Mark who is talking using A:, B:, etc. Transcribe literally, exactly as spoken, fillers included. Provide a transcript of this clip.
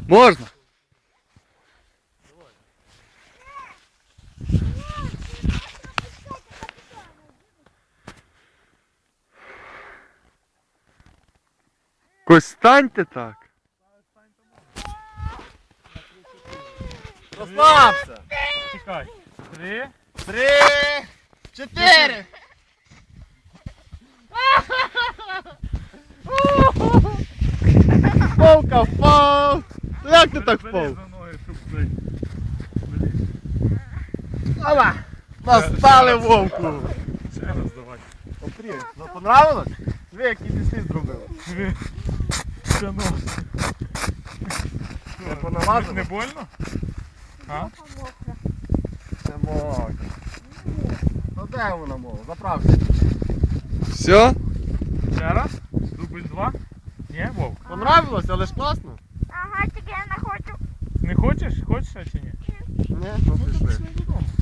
A: Можна? Ось станьте так.
B: Розслабся!
C: Чекай. Три.
B: Три, чотири! Вовка впав! Як ти так впав?
C: за ноги, щоб цей.
B: Ава! Настали вовку!
C: Ще раз давай.
B: Смотри, ну понравилось? Диви, які ти слід зробили.
C: Диви. Це нос.
B: Не понамазано?
C: Не больно? А?
B: Не можна. Ну де вона мова? Заправся.
A: Все?
C: Ще раз? Дубль два? Ні, Вов?
B: Понравилось, але ж класно.
D: Ага, тільки я не хочу.
C: Не хочеш? Хочеш ще чи ні?
B: Ні, ну пішли.
C: Додому.